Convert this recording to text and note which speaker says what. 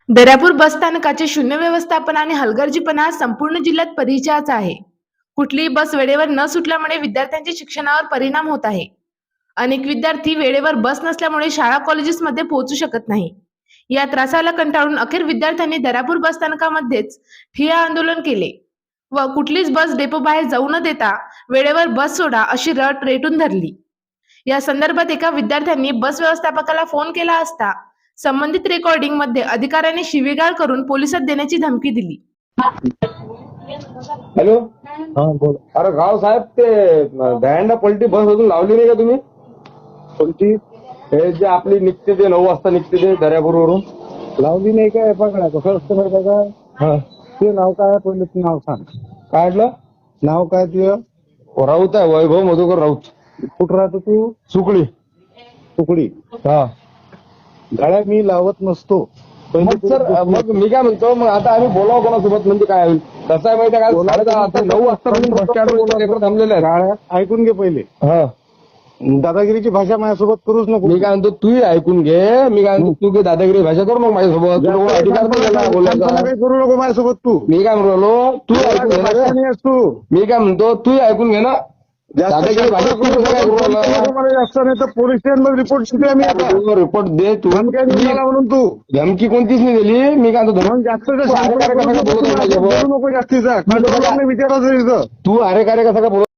Speaker 1: दर्यापूर बसस्थानकाचे शून्य व्यवस्थापन आणि हलगर्जीपणा हा संपूर्ण जिल्ह्यात परिचयाचा आहे. कुठलीही बस वेळेवर न सुटल्यामुळे विद्यार्थ्यांच्या शिक्षणावर परिणाम होत आहे. अनेक विद्यार्थी वेळेवर बस नसल्यामुळे शाळा कॉलेजेसमध्ये पोहोचू शकत नाही. या त्रासाला कंटाळून अखेर विद्यार्थ्यांनी दर्यापूर बसस्थानकामध्येच ठिय्या आंदोलन केले व कुठलीच बस डेपो बाहेर जाऊ न देता वेळेवर बस सोडा अशी रट रेटून धरली. या संदर्भात एका विद्यार्थ्यांनी बस व्यवस्थापकाला फोन केला असता संबंधित रेकॉर्डिंग मध्ये अधिकाऱ्यांनी शिवीगाळ करून पोलिसात देण्याची धमकी दिली.
Speaker 2: हॅलो,
Speaker 3: हा बोल.
Speaker 2: अरे गाव साहेब, ते दह्यांडा पलटी बस अजून लावली नाही का तुम्ही?
Speaker 3: कोणती
Speaker 2: हे जे आपली निघते ते 9 वाजता निघते ते दर्यापूरवरून.
Speaker 3: लावली नाही काय? बघा कसं असतं माहिती का?
Speaker 2: हा,
Speaker 3: ते नाव काय आहे? पहिले ते नाव सांग.
Speaker 2: काय म्हटलं?
Speaker 3: नाव काय तुझं?
Speaker 2: राऊत आहे, वैभव मधुकर राऊत.
Speaker 3: कुठं राहतो तू?
Speaker 2: सुकळी.
Speaker 3: तुकडी.
Speaker 2: हा,
Speaker 3: गाड्या मी लावत नसतो.
Speaker 2: मग सर, मग मी काय म्हणतो, मग आता आम्ही बोलावं कोणासोबत म्हणजे काय होईल? कसं आहे माहिती आहे का? 9:30 वाजता बस स्टँडवर थांबलेले आहेत.
Speaker 3: गाड्या ऐकून घे पहिले.
Speaker 2: हा,
Speaker 3: दादागिरीची भाषा माझ्यासोबत करूच नको.
Speaker 2: मी काय म्हणतो, तूही ऐकून घे. मी काय म्हणतो, तू काही दादागिरी भाषा करू मग माझ्यासोबत. तुला कोण अधिकार नाही दिला बोलायचा.
Speaker 3: काही करू नको माझ्यासोबत तू.
Speaker 2: मी काय म्हणलो, तू ऐकून घे ना रे.
Speaker 3: नाही आहेस तू.
Speaker 2: मी काय म्हणतो, तूही ऐकून घे ना. दादागिरी भाषा तू कसं काय करू राहिला?
Speaker 3: मला जास्त नाही तर पोलीस स्टेशनमध्ये रिपोर्ट शिकले आम्ही आता.
Speaker 2: तू रिपोर्ट दे. तू
Speaker 3: धमक्या देऊन राहिला म्हणून तू
Speaker 2: धमकी कोणतीच नाही दिली. मी काय म्हणतो,
Speaker 3: मग जास्त
Speaker 2: तू अरे कार्य कसा काय बोलत आहे माझ्यासोबत?
Speaker 3: नको जास्तीचा विचारायचं.
Speaker 2: तू अरे कार्य कसा काय बोलत